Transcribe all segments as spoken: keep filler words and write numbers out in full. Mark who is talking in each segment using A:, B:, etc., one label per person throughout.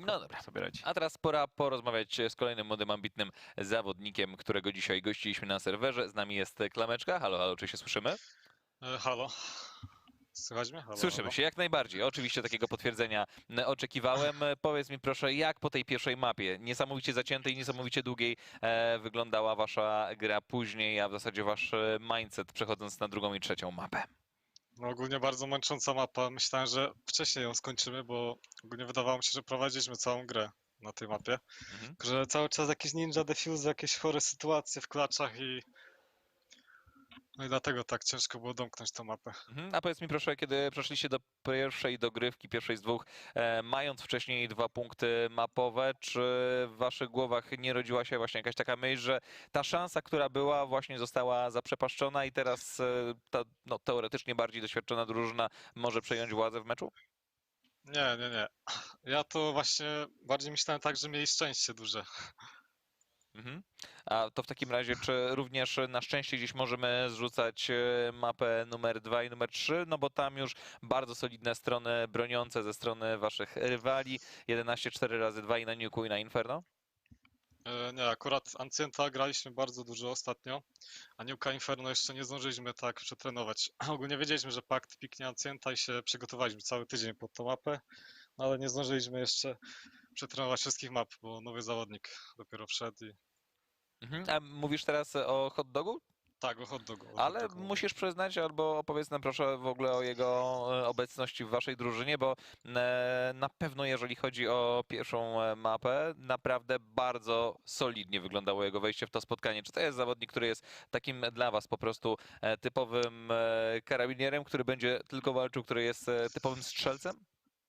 A: spoko
B: No dobra.
A: sobie radzi.
B: A teraz pora porozmawiać z kolejnym młodym, ambitnym zawodnikiem, którego dzisiaj gościliśmy na serwerze. Z nami jest Klameczka. Halo, halo, czy się słyszymy?
C: E, halo. Słychać mnie? Halo,
B: Słyszymy
C: halo.
B: się, jak najbardziej. Oczywiście takiego potwierdzenia m, oczekiwałem. E, Powiedz mi proszę, jak po tej pierwszej mapie, niesamowicie zaciętej, niesamowicie długiej, e, wyglądała wasza gra później, a w zasadzie wasz e, mindset przechodząc na drugą i trzecią mapę?
C: No ogólnie bardzo męcząca mapa. Myślałem, że wcześniej ją skończymy, bo ogólnie wydawało mi się, że prowadziliśmy całą grę na tej mapie.
B: Mhm.
C: Że cały czas jakieś ninja defuse, jakieś chore sytuacje w klaczach i... No i dlatego tak ciężko było domknąć tę mapę.
B: Mhm. A powiedz mi proszę, kiedy przeszliście do pierwszej dogrywki, pierwszej z dwóch, e, mając wcześniej dwa punkty mapowe, czy w waszych głowach nie rodziła się właśnie jakaś taka myśl, że ta szansa, która była, właśnie została zaprzepaszczona i teraz e, ta no, teoretycznie bardziej doświadczona drużyna może przejąć władzę w meczu?
C: Nie, nie, nie. Ja to właśnie bardziej myślałem tak, że mieli szczęście duże.
B: Mhm. A to w takim razie, czy również na szczęście gdzieś możemy zrzucać e, mapę numer dwa i numer trzy, no bo tam już bardzo solidne strony broniące ze strony waszych rywali, jedenaście cztery razy dwa i na Nuke'u i na Inferno?
C: E, Nie, akurat Ancienta graliśmy bardzo dużo ostatnio, a Nuka Inferno jeszcze nie zdążyliśmy tak przetrenować. Ogólnie wiedzieliśmy, że Pakt piknie Ancienta i się przygotowaliśmy cały tydzień pod tą mapę, no ale nie zdążyliśmy jeszcze przetrenować wszystkich map, bo nowy zawodnik dopiero wszedł i...
B: Mhm. A mówisz teraz o hot dogu?
C: Tak, o hot dogu. o hot
B: Ale
C: dogu mówię.
B: musisz przyznać, albo opowiedz nam proszę w ogóle o jego e, obecności w waszej drużynie, bo e, na pewno jeżeli chodzi o pierwszą e, mapę, naprawdę bardzo solidnie wyglądało jego wejście w to spotkanie. Czy to jest zawodnik, który jest takim dla was po prostu e, typowym e, karabinierem, który będzie tylko walczył, który jest e, typowym strzelcem?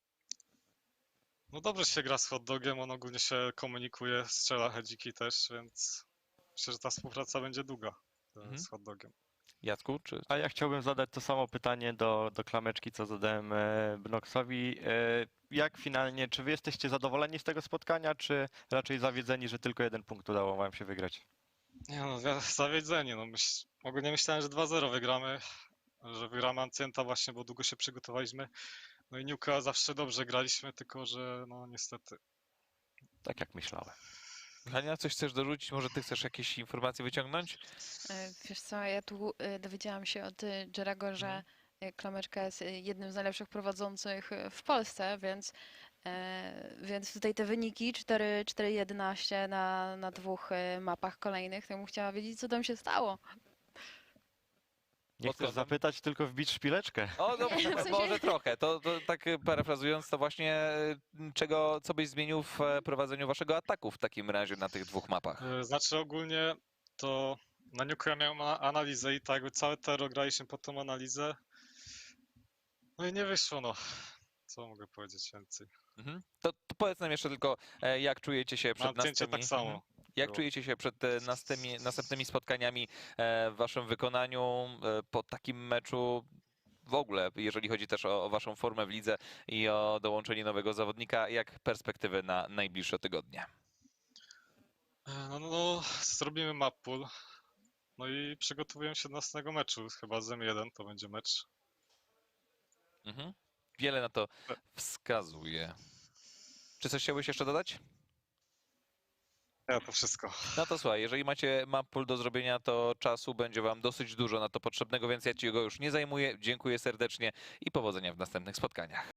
C: No dobrze się gra z hot dogiem, on ogólnie się komunikuje, strzela hedziki też, więc myślę, że ta współpraca będzie długa e,
B: Mhm.
C: z hot dogiem.
B: Jacku, czy...
A: A ja chciałbym zadać to samo pytanie do, do Klameczki, co zadałem e, Bnoxowi. E, jak finalnie, czy wy jesteście zadowoleni z tego spotkania, czy raczej zawiedzeni, że tylko jeden punkt udało wam się wygrać?
C: Nie no, wi- zawiedzenie, no myśl, ogólnie myślałem, że dwa zero wygramy, że wygramy Ancienta właśnie, bo długo się przygotowaliśmy. No i Nuka zawsze dobrze graliśmy, tylko że no niestety.
A: Tak jak myślałem.
B: Hania, coś chcesz dorzucić? Może ty chcesz jakieś informacje wyciągnąć?
D: E, Wiesz co, ja tu e, dowiedziałam się od e, Jerego, że
B: Mhm.
D: e, Klameczka jest e, jednym z najlepszych prowadzących e, w Polsce, więc, e, więc tutaj te wyniki cztery cztery jedenaście na, na dwóch e, mapach kolejnych, to bym chciała wiedzieć, co tam się stało.
A: Nie
B: Pod
A: chcesz
B: kątem-
A: zapytać, tylko wbić szpileczkę.
B: O, no,
D: Nie, w sensie-
B: może trochę. To, to tak e, parafrazując, to właśnie e, czego, co byś zmienił w e, prowadzeniu waszego ataku w takim razie na tych dwóch mapach?
C: E, Znaczy ogólnie to na Nuka ja miałem a- analizę i tak jakby całe tero graliśmy pod tą analizę. No i nie wyszło, no. Co mogę powiedzieć więcej?
B: Mhm. To, to powiedz nam jeszcze tylko, e, jak czujecie się
C: Na
B: przed
C: Anciencie
B: następnymi...
C: tak samo.
B: Mhm. Jak
C: było.
B: czujecie się przed e, następnymi, następnymi spotkaniami e, w waszym wykonaniu e, po takim meczu? W ogóle, jeżeli chodzi też o, o waszą formę w lidze i o dołączenie nowego zawodnika, jak perspektywy na najbliższe tygodnie?
C: E, No, no, no zrobimy map pool. No i przygotowuję się do następnego meczu. Chyba z M jeden to będzie mecz.
B: Mhm. Wiele na to wskazuje. Czy coś chciałbyś jeszcze dodać?
C: Ja to wszystko.
B: No to słuchaj, jeżeli macie map pool do zrobienia, to czasu będzie wam dosyć dużo na to potrzebnego, więc ja ci go już nie zajmuję. Dziękuję serdecznie i powodzenia w następnych spotkaniach.